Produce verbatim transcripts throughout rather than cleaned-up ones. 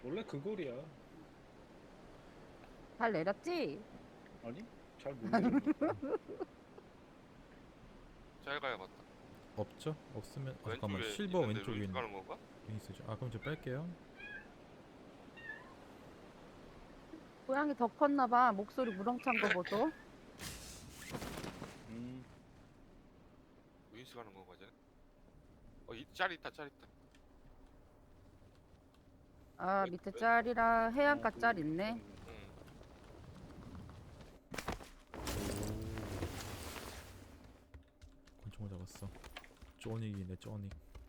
원래 그 거리야. 잘 내렸지? 아니? 잘 못 내렸나? 잘 가야 맞다. 없죠? 없으면 아, 잠깐만 왼쪽에 실버 있는데 왼쪽에 루이스 있는 가는 건가? 있으죠. 아 그럼 저 뺄게요. 고양이 더 컸나봐. 목소리 무렁찬 거 보소. 음. 루이스 가는 건가 쟤? 어, 이, 짤 있다, 짤 있다. 아 왜- 밑에 왜? 짤이라 해안가 아, 짤 그- 있네. 응. 권총을 잡았어. 쪼닉이네 쪼닉.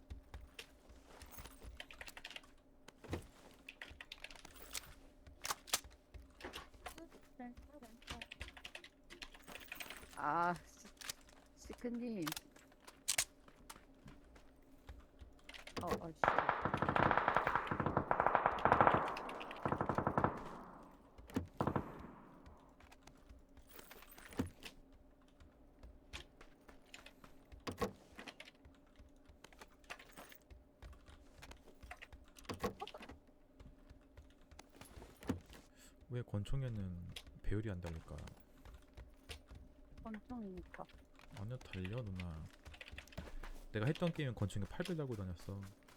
아 시- 시크님. 어, 어, 씨. 왜 권총에는 배율이 안 달릴까? 권총이니까. 아니요 달려 누나. 내가 했던 게임은 권총에 팔 배 달고 다녔어.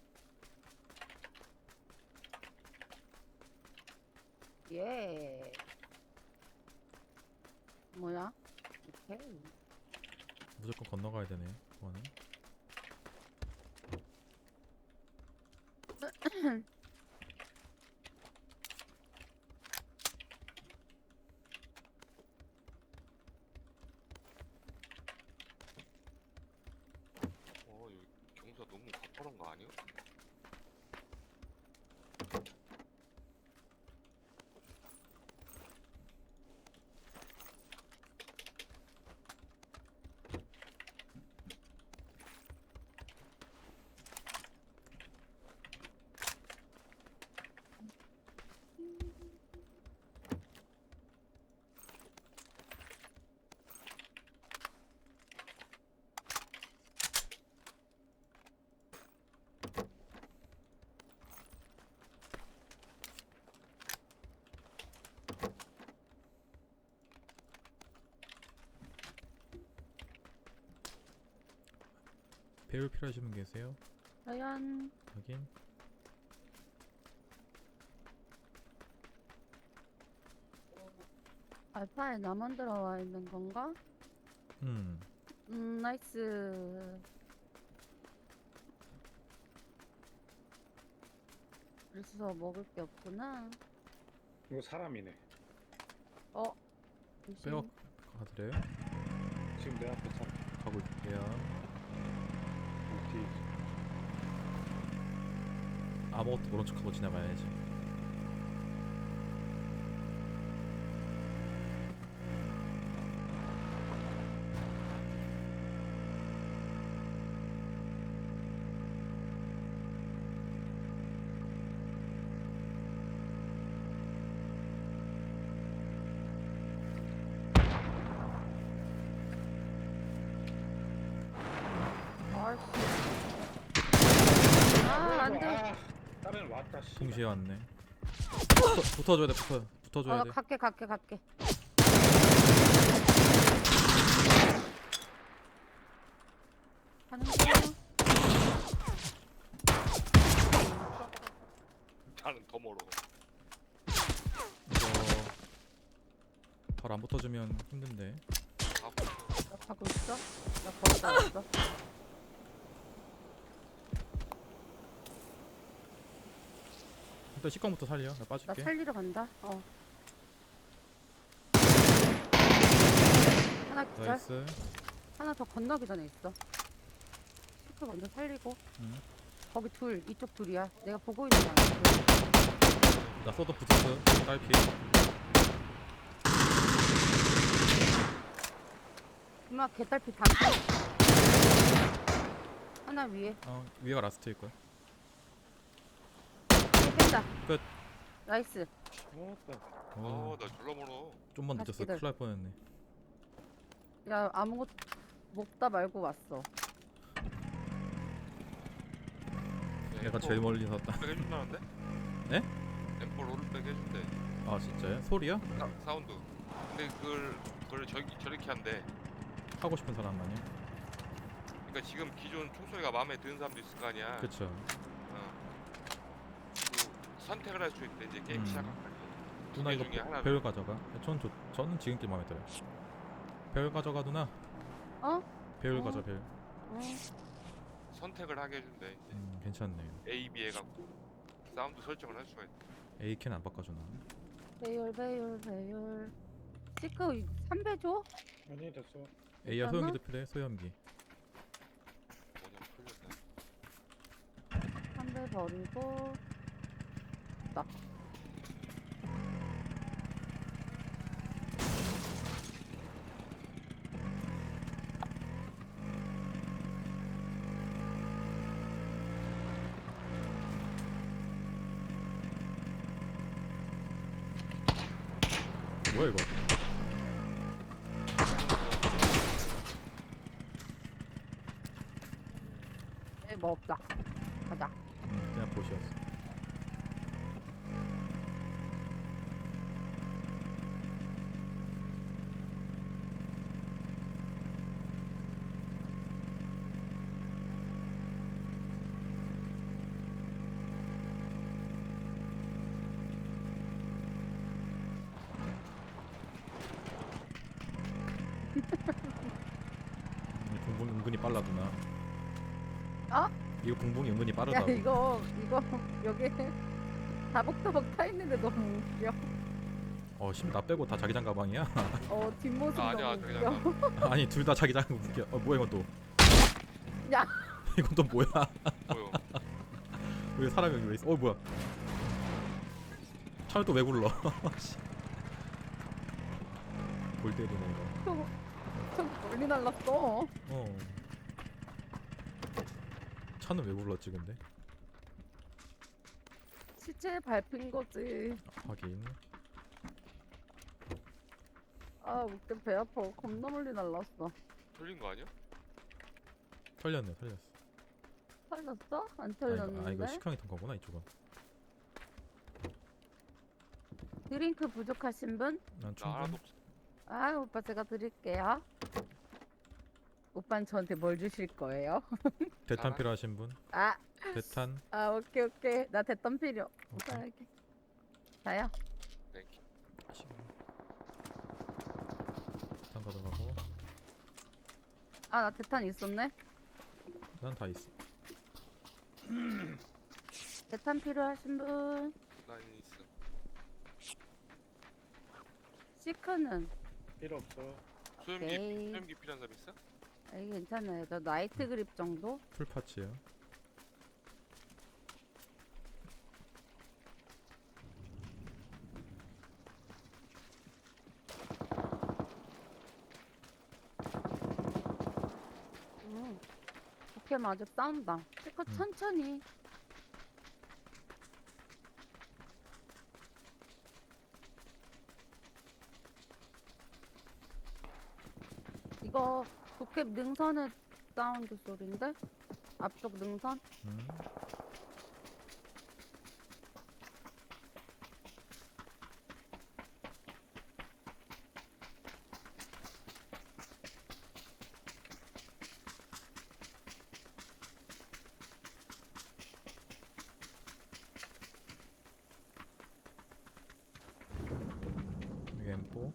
예. 뭐야? 오케이. 무조건 건너가야 되네. 그거는. 어, 여기 경사 너무 가파른 거 아니야? 배율 필요하신 분 계세요? 과연 확인. 알파에 나만 들어와 있는 건가? 음. 음, 나이스. 그래서 먹을 게 없구나. 이거 사람이네. 어? 잠시. 빼어 가드려요? 지금 내 앞에 사람. 가고 있게요. 뒤에. 아무것도 모른 척하고 지나가야지. 아이씨. 아, 안 돼. 아, 다른 왔다. 씨. 동시에 왔네. 붙어, 붙어줘야 돼. 붙어. 붙어줘야 어, 나 돼. 갈게, 갈게, 갈게. 가는 중. 나는 더 멀어. 이거 바로 안 붙어주면 힘든데. 가고 나 가고 있어? 나 걸어다 왔어. 일단 식광부터 살려. 나 나 빠질게. 살리러 간다. 어. 하나 기절. 나이스. 하나 더 건너기 전에 있어. 시크 먼저 살리고. 응. 거기 둘, 이쪽 둘이야. 내가 보고 있는 거 아니야? 나 써도 붙었어. 딸피. 엄마 개딸피 반피. 하나 위에. 어 위에가 라스트일 거야. 위에 뺀다. 끝. 나이스. 왔다. 어, 아, 나 졸라 멀어. 좀만 다시 늦었어. 기다려. 큰일 날 뻔했네. 야 아무것도 먹다 말고 왔어. 내가 제일 멀리 섰다. 해준다는데? 네? 엠포 롤백 해준대. 아 진짜요? 소리요? 사, 사운드. 근데 그걸 그걸 저기 저렇게 한대. 하고 싶은 사람만요? 그러니까 지금 기존 총소리가 마음에 드는 사람도 있을 거 아니야. 그쵸. 어. 그 선택을 할 수 있대 이제 게임 음. 시작할 때. 누나 개 이거 중에 하나를. 배율 가져가. 전 좋, 저는 지금 게 마음에 들어요. 배율 가져가 누나. 어? 배율 어. 가져 배율. 응. 선택을 하게 해준대. 이제. 음 괜찮네요. A, B 해갖고 사운드 설정을 할 수가 있대. 에이켄 안 바꿔주나? 배율 배율 배율. 시크 삼 배 줘? 아니 됐어. 에이야 괜찮아? 소염기도 필요해 소염기. 뭐냐 풀렸네. 삼 배 버리고. 나. 뭐야 이거? 에, 뭐 없다. 가자. 음, 그냥 보시였어. 음, 붕붕 은근히 빨라 누나. 어? 이거 붕붕이 은근히 야 빠르다고. 이거 이거 여기 다복다복 타 있는데 너무 웃겨. 어, 심 나 빼고 다 자기장 가방이야? 어 뒷모습 아, 아니야 너무 저기 웃겨. 잠깐. 아니 둘 다 자기장 웃겨. 어 뭐야 이건 또? 야. 이건 또 뭐야? 뭐요? 왜 사람이 여기 왜 있어? 어 뭐야? 차를 또 왜 굴러? 씨. 골 때리네 이거. 저거 저거 멀리 날랐어. 어. 차는 왜 굴렀지 근데? 시체에 밟힌 거지. 하긴. 아 웃겨 배 아파. 겁나 멀리 날랐어. 틀린 거 아니야? 털렸네 털렸어. 털렸어? 안 아 이거, 털렸는데? 아 이거 식형이 턴 거구나 이쪽은. 드링크 부족하신 분? 난 나 하나도 충분. 없어. 아 오빠 제가 드릴게요. 오빠는 저한테 뭘 주실 거예요? 대탄 알아. 필요하신 분? 아, 대탄. 아 오케이 오케이 나 대탄 필요. 오케이. 오빠에게. 다요. 땡큐. 대탄 가져가고. 아 나 대탄 있었네. 난 다 있어. 대탄 필요하신 분? 난 있어. 시크는? 필요 없어. 소염기 오케이. 소염기 필요한 사람 있어? 아, 이게 괜찮아요. 저 나이트 그립 정도? 풀 파츠요. 음. 오케이 맞아 싸운다. 시크 음. 천천히. 이거 도캡 능선의 사운드 소리인데? 앞쪽 능선? 음. 여기 엠포.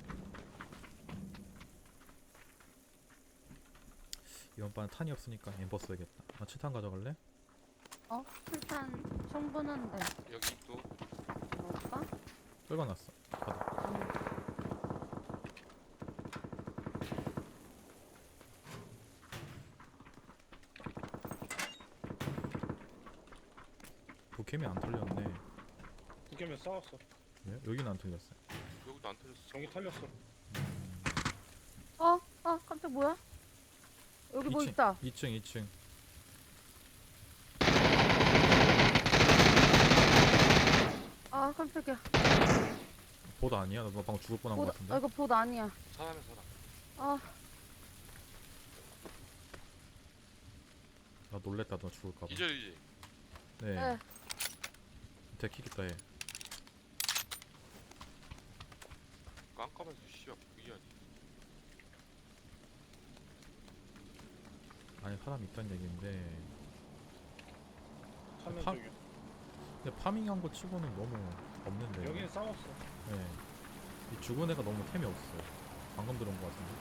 이번 판 탄이 없으니까 엠버 써야겠다. 아 칠탄 가져갈래? 어? 일단 충분한데. 여기 또 먹을까? 떨궈놨어. 받아. 음. 도캠이 안 털렸네. 두 개면 싸웠어. 예? 여기는 안 털렸어. 여기도 안 틀렸어. 정이 털렸어. 어? 어? 깜짝 뭐야? 여기 뭐 이층, 있다. 이 층 이 층. 아 깜짝이야. 보드 아니야? 너 방금 죽을 뻔한 거 봇, 같은데? 아 이거 봇 아니야. 사람에 사람. 아 나 놀랬다 너 죽을까봐. 기절이지. 네. 네. 데킥 있다 얘. 깜깜해서 씨발 보이지 않니? 아니 사람 있다는 얘기인데 찾는 파- 중이야. 근데 파밍한 거 치고는 너무 없는데. 여기는 싸웠어. 네. 이 죽은 애가 너무 템이 없어. 방금 들어온 거 같은데.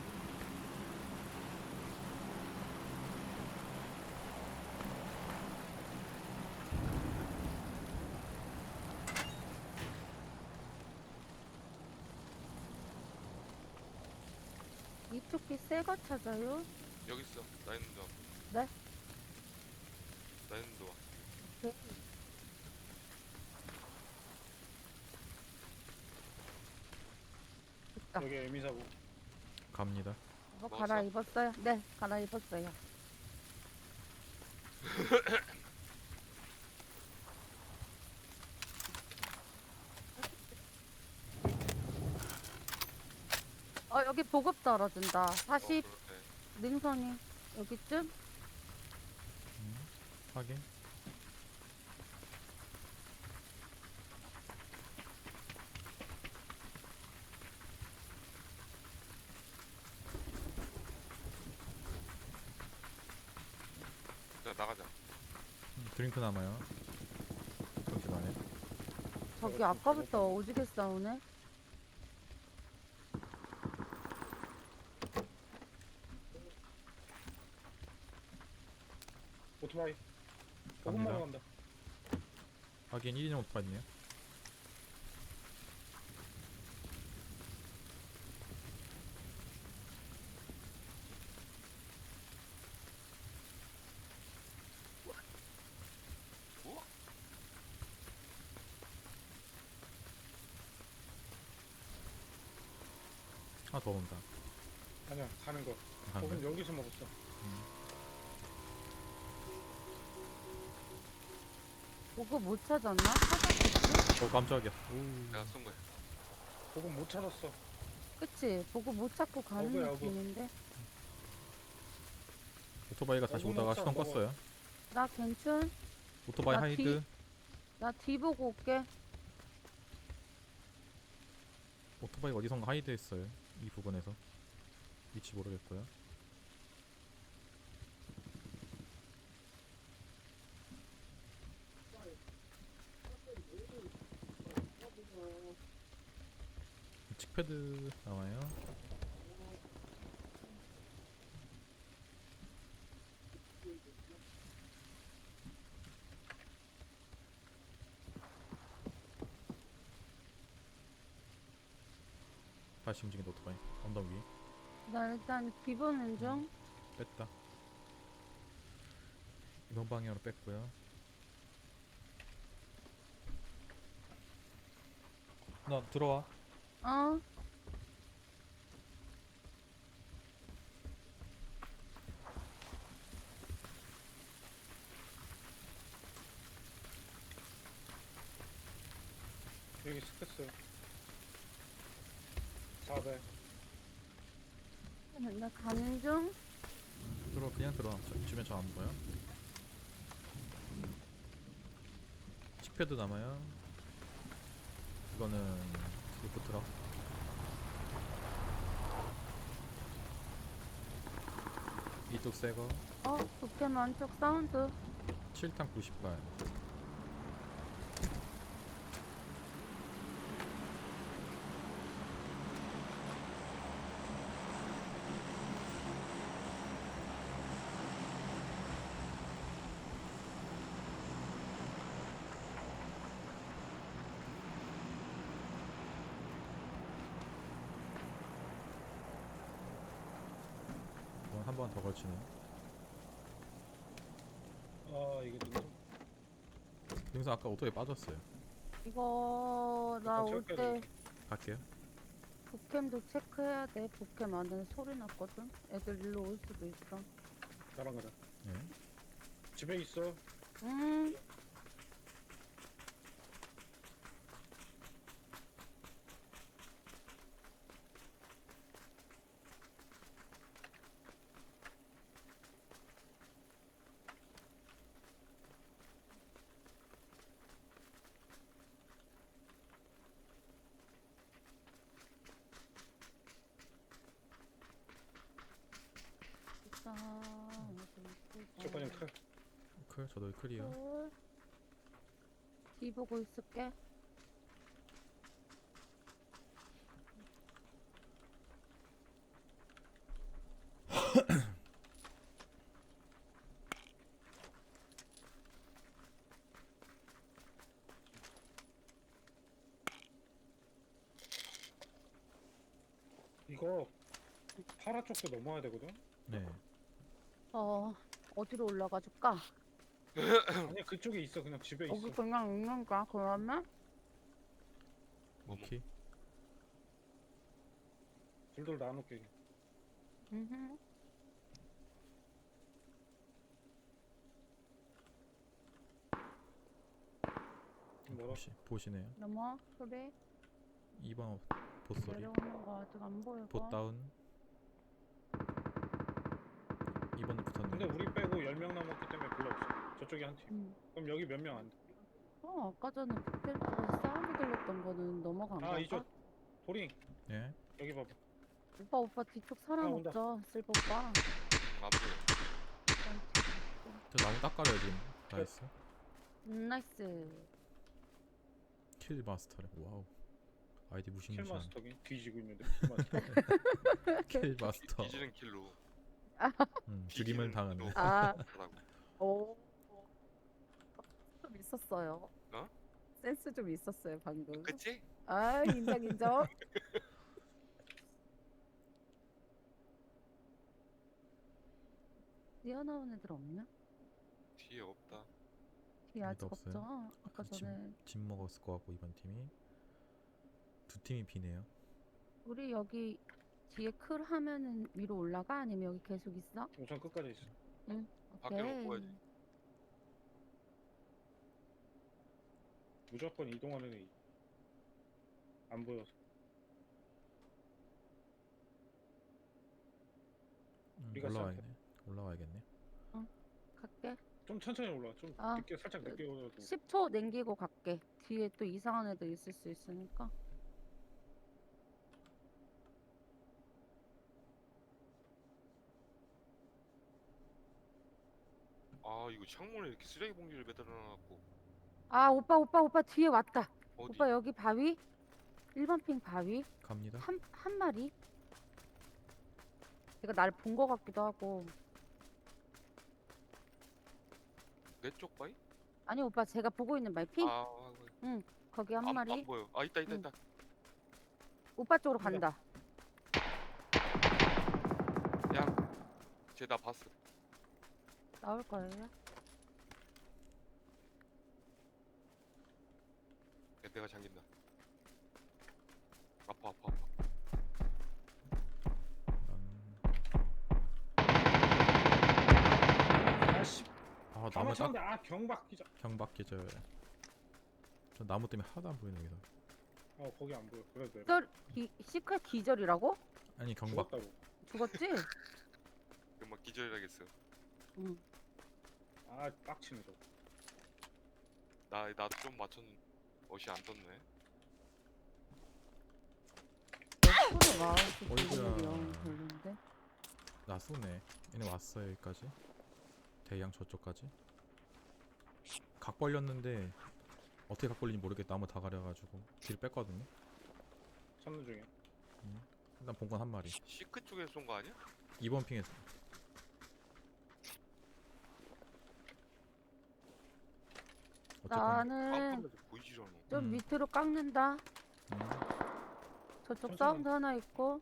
이쪽 길 새 거 찾아요? 여기 있어. 나 있는 데 와. 네? 나 있는 데 와. 네. 있다. 여기 에미사고. 갑니다. 이거 먹었어? 갈아입었어요? 네, 갈아입었어요. 어, 여기 보급 떨어진다. 사십 어, 그러네. 능선이 여기쯤? 음, 확인. 자 나가자. 음, 드링크 남아요. 잠시만요. 저기 아까부터 오지게 싸우네. 오토바이. 보급 갑니다. 먹어 간다. 확인. 일 인용 오토바이네요. 뭐? 하나 더 온다. 아니야 가는 거. 가는 보급 거야? 여기서 먹었어. 보급 못 찾았나? 찾았겠지? 어 깜짝이야. 오. 내가 쏜 거야. 보급 못 찾았어. 그치? 보급 못 찾고 가는 어구야, 어구. 느낌인데? 오토바이가 다시 먹어, 오다가 먹자, 시동 먹어. 껐어요. 나 괜춘? 오토바이 나 하이드. 나 뒤 보고 올게. 오토바이가 어디선가 하이드 했어요. 이 부분에서. 위치 모르겠고요. 칙패드 나와요. 다시 움직인다 오토바이. 언덕 위. 나 일단 뒤 보는 중. 뺐다. 이번 방향으로 뺐고요. 나 들어와. 어? 여기 스크스. 사배. 나 가는 중. 들어 그냥 들어. 저, 주변 저 안 보여. 칙패드 남아요. 이거는 리프트럭. 이쪽 새거. 어? 도캠 안쪽 사운드. 칠 탄 구십 발. 이건 한 번 더 걸치네. 아 이게 누구? 여기서 아까 오토에 빠졌어요. 이거 나 잠깐 올 때 체크해야 갈게요. 도캠도 체크해야 돼. 도캠 안에 소리 났거든. 애들 일로 올 수도 있어. 나랑 가자. 예. 집에 있어. 음. 클. 저도 클이요. 어. 뒤 보고 있을게. 이거 파라 쪽도 넘어야 되거든. 네. 어, 어디로 올라가 줄까? 아니 그쪽에 있어. 그냥 집에 있어. 여기 그냥 있는가, 그러면? 뭐, 뭐. 오케이. 둘둘 나눠놓게. 음. 뭐라? 보시, 보시네요. 넘어, 소리. 이 번 보소리. 내려오는 거 아직 안 보이고. 보 다운. 이 번에 근데 붙었네. 우리 빼고 열 명 남았기 때문에 별로 없어. 저쪽에 한 팀. 음. 그럼 여기 몇 명 안 돼? 어, 아까 전에 북텔 쪽에서 사운드 들렸던 거는 넘어간 아 건가? 이쪽 도링 예. 여기 봐봐. 오빠, 오빠 뒤쪽 사람 아, 온다. 없죠? 슬퍼 오빠. 음, 안 보여. 저 나무 닦아요 지금. 나이스. 음, 나이스. 킬 마스터래. 와우. 아이디 무시무시한. 킬마스터기 뒤지고 있는데 킬마스터. 킬 마스터. 뒤지는 킬로. 음, 죽임을 당하네. 아, 하라고. 오. 좀 있었어요. 어? 센스 좀 있었어요, 방금. 그치? 아, 인정, 인정. 뛰어나온 애들 없냐? 뒤에 없다. 뒤에 아직 아무도 없어요. 없죠? 아까 아, 전에 집 먹었을 것 같고 이번 팀이 두 팀이 비네요. 우리 여기 뒤에 클 하면은 위로 올라가? 아니면 여기 계속 있어? 우선 끝까지 있어. 밖에 오케이. 놓고 가야지. 무조건 이동하는 애. 안 보여서. 음, 우리가 올라와야겠네. 올라와야겠네. 갈게. 좀 천천히 올라. 좀 아. 늦게 살짝 늦게 올라도. 십 초 남기고 갈게. 뒤에 또 이상한 애들 있을 수 있으니까. 아 이거 창문에 이렇게 쓰레기 봉지를 매달아놔갖고. 아, 오빠, 오빠, 오빠 뒤에 왔다. 어디? 오빠 여기 바위? 일 번 핑 바위? 갑니다. 한, 한 마리? 얘가 날 본 거 같기도 하고. 내 쪽 바위? 아니, 오빠 제가 보고 있는 바위 핑? 아, 거기 한 안, 마리? 안 보여. 아 있다 있다 응. 있다. 오빠 쪽으로 간다. 야, 쟤 나 봤어. 나올 거예요. 야, 내가 잠긴다. 아파 아파 아파. 아씨. 아 나무 나무 딱 쳤는데 아 경박 기자. 경박 계절. 저 나무 때문에 하나도 안 보이네 여기서. 어 거기 안 보여. 그래도 돼. 기절, 기, 시크릿 기절이라고? 아니 경박. 죽었다고. 죽었지? 그럼 막 기절해야겠어. 응. 아 빡치네 저. 나 나도 좀 맞췄는데 옷이 안 떴네. 소리 와. 어이구야. 별론데. 나 쏘네. 얘네 왔어요 여기까지. 대양 저쪽까지. 각 벌렸는데 어떻게 각 벌린지 모르겠다. 나무 다 가려가지고 뒤를 뺐거든요. 찾는 중에. 일단 본건 한 마리. 시크 쪽에서 쏜 거 아니야? 이 번 핑에서. 어쨌건 나는 깜깜해서 보이질 않아. 좀 음. 밑으로 깎는다. 음, 저쪽 천천히. 사운드 하나 있고.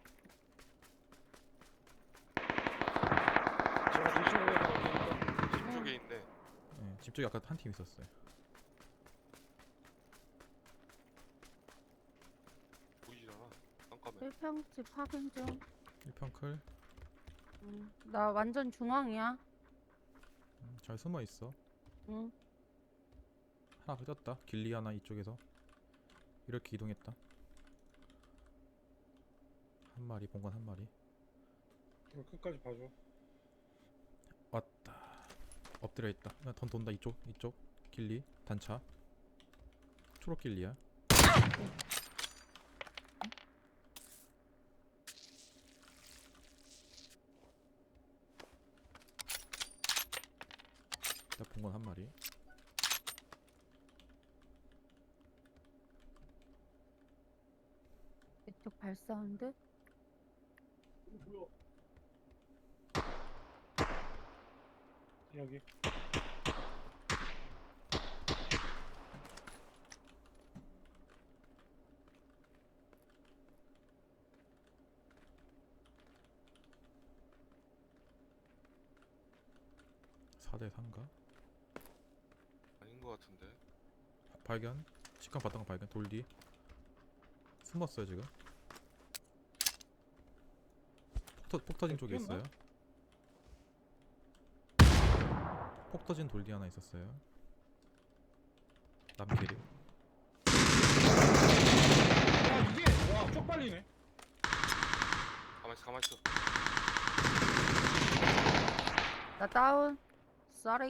제가 뒤쪽으로 가니까 집 쪽에 있네. 예, 집 쪽에 아까 한 팀 있었어요. 보이질 않아. 깜깜해. 일 평집 확인 중. 일 평 클. 응. 나 완전 중앙이야. 음, 잘 숨어 있어. 응. 하나 흐졌다. 길리 하나 이쪽에서 이렇게 이동했다. 한 마리 본건 한 마리. 이거 끝까지 봐줘. 왔다. 엎드려 있다. 나 던 돈다 이쪽 이쪽 길리 단차. 초록 길리야. 나 본건 한 마리. 마리. 이쪽 발사운드? 여기. 사 대 삼가? 아닌 것 같은데. 발견. 식감 봤던 거 발견. 돌 뒤. 숨었어요 지금. 폭, 터, 폭 터진 쪽에 뛰었나? 있어요. 폭 터진 돌 뒤 하나 있었어요. 남길이. 야 이게 와 쪽팔리네. 가만 있어, 가만 있어. 나 다운. Sorry.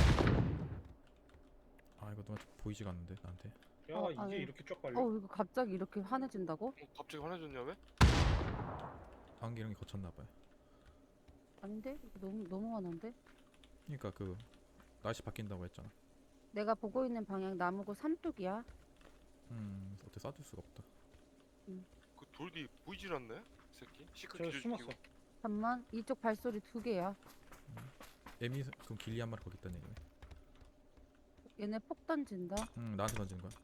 아 이거 누가 보이지가 않는데 나한테. 야 어, 이게 아유. 이렇게 쪽팔려. 어 이거 갑자기 이렇게 환해진다고? 어, 갑자기 화내줬냐 왜? 안기령이 거쳤나봐요. 아닌데? 이거 너무 너무 환한데? 그니까 그 날씨 바뀐다고 했잖아. 내가 보고 있는 방향 나무고 삼뚝이야. 음 어떻게 쏴줄 수가 없다. 그 돌 뒤 보이질 않네? 이 새끼? 시크 저 기절 숨었어. 잠만 이쪽 발소리 두 개야. 에미 그럼 길리 한 마리 거기 있다는 얘기네. 얘네 폭 던진다. 음 나한테 던지는 거야.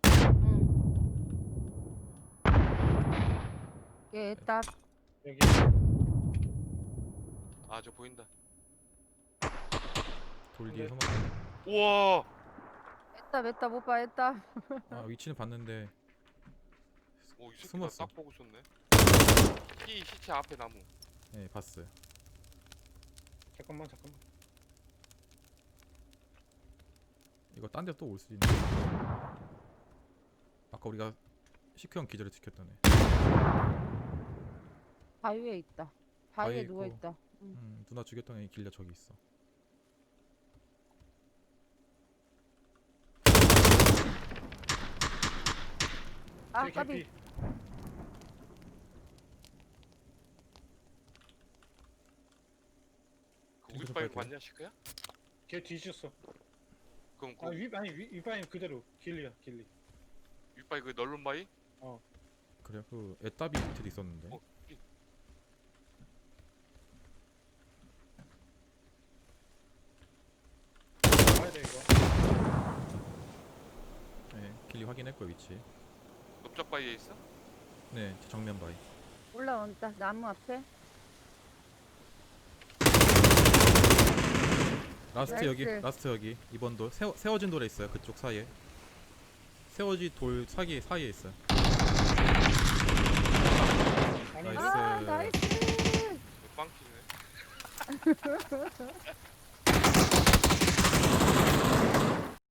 응. 얘 애답. 여기. 아, 저 보인다. 돌 뒤에 근데- 숨어. 우와! 애답 애답 오빠 애답. 아 위치는 봤는데 오, 이 새끼 숨었어. 나딱 보고 있었네. 시, 시체 앞에 나무. 예 봤어요. 잠깐만 잠깐만. 이거 딴 데 또 올 수 있는. 아까 우리가 시크형 기절을 지켰던 애. 바위에 있다. 바위에 바위에 있고. 누워 있다. 응. 음 누나 죽였던 애 길려 저기 있어. 아 제 까비. 개피. 그 이거 좀 윗바위 빨게요. 맞냐, 시크야? 걔 뒤졌어. 그럼 그 아위 아니 위 위바인 그대로 길리야 길리. 윗바위 그 널른 바위? 그래 그 애따비 밑에도 있었는데. 어, 이- 가야 돼 이거. 네 길리 확인했고요 위치. 넓적 바위에 있어? 네 정면 바위. 올라온다. 나무 앞에. 라스트 여기 나이스. 라스트 여기 이번 돌 세워, 세워진 돌에 있어요. 그쪽 사이에 세워진 돌 사기 사이에 있어요. 아니 나이스. 아 나이스. 빵키네.